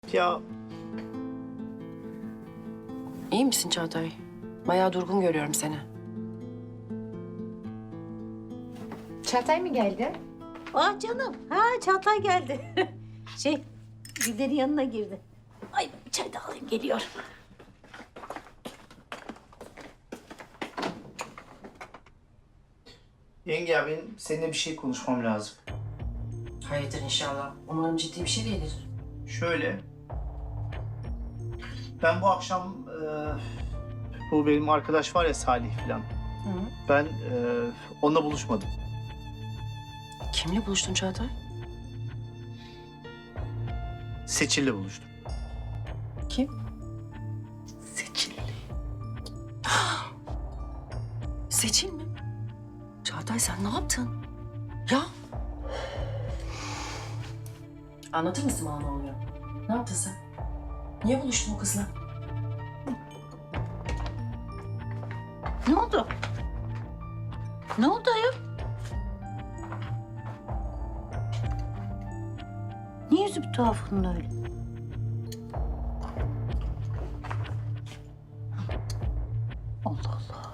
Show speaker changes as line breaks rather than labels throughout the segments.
Ya
İyi misin Çağatay? Bayağı durgun görüyorum seni.
Çağatay mı geldi?
Ah canım. Ha Çağatay geldi. Gülder'in yanına girdi. Ay bir çay da alayım geliyor.
yenge ya benim seninle bir şey konuşmam lazım.
Hayırdır inşallah. Umarım ciddi bir şey değildir.
Şöyle. Ben bu akşam bu benim arkadaş var ya Salih falan. Ben onunla buluşmadım.
Kimle buluştun Çağatay?
Seçil'le buluştum.
Kim? Seçil. Seçil mi? Çağatay sen ne yaptın? Ya. Anlatır mısın bana ne oluyor? Ne yaptın sen? Niye buluştun o kızla?
Ne oldu? Ne oldu ayol? Niye yüzü bir tuhaf onun öyle? Allah Allah.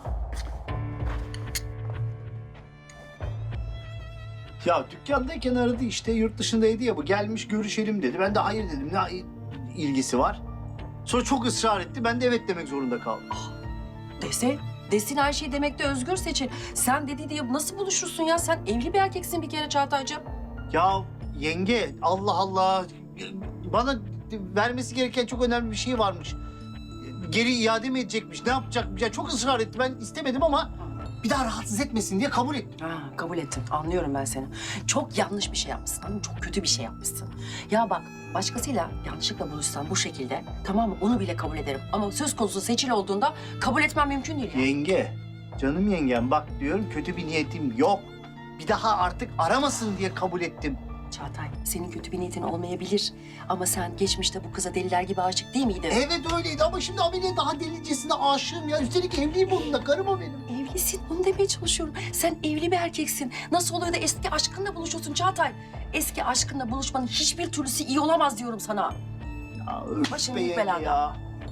Ya dükkandayken aradı işte yurt dışındaydı ya bu gelmiş görüşelim dedi. Ben de hayır dedim ne ilgisi var. Sonra çok ısrar etti ben de evet demek zorunda kaldım.
Desin her şeyi demekte özgür Seçil. Sen dedi diye nasıl buluşursun ya? Sen evli bir erkeksin bir kere Çağatay'cığım.
Ya yenge Allah Allah bana vermesi gereken çok önemli bir şey varmış. Geri iade mi edecekmiş ne yapacakmış ya çok ısrar etti ben istemedim ama bir daha rahatsız etmesin diye kabul ettim.
Ha, kabul ettim. Anlıyorum ben seni. Çok yanlış bir şey yapmışsın. Anladın mı? Çok kötü bir şey yapmışsın. Ya bak başkasıyla yanlışlıkla buluşsan bu şekilde tamam mı? Onu bile kabul ederim. Ama söz konusu Seçil olduğunda kabul etmem mümkün değil. Ya.
Yenge canım yengem bak diyorum kötü bir niyetim yok. Bir daha artık aramasın diye kabul ettim.
Çağatay senin kötü bir niyetin olmayabilir. Ama sen geçmişte bu kıza deliler gibi aşık değil miydin?
Evet öyleydi ama şimdi Amine daha delicesine aşığım ya. Üstelik evliyim onunla karım o benim.
Evlisin. Onu demeye çalışıyorum. Sen evli bir erkeksin. Nasıl oluyor da eski aşkınla buluşuyorsun Çağatay? Eski aşkınla buluşmanın hiçbir türlüsü iyi olamaz diyorum sana.
Ya öf
Başın
be
büyük
yenge
belada.
ya.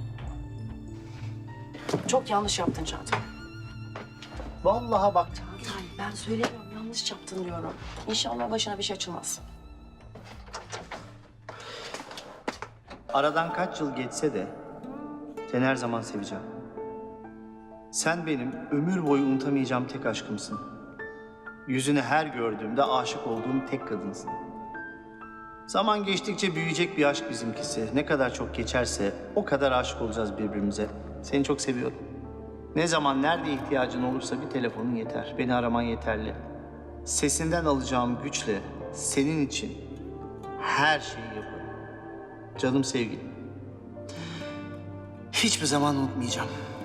Çok yanlış yaptın Çağatay.
Vallahi bak.
Çağatay ben söylemiyorum yanlış yaptın diyorum. İnşallah başına bir şey açılmaz.
Aradan kaç yıl geçse de seni her zaman seveceğim. Sen benim ömür boyu unutamayacağım tek aşkımsın. Yüzünü her gördüğümde aşık olduğum tek kadınsın. Zaman geçtikçe büyüyecek bir aşk bizimkisi. Ne kadar çok geçerse o kadar aşık olacağız birbirimize. Seni çok seviyorum. Ne zaman nerede ihtiyacın olursa bir telefonun yeter. Beni araman yeterli. Sesinden alacağım güçle senin için her şeyi yaparım. Canım sevgilim. Hiçbir zaman unutmayacağım.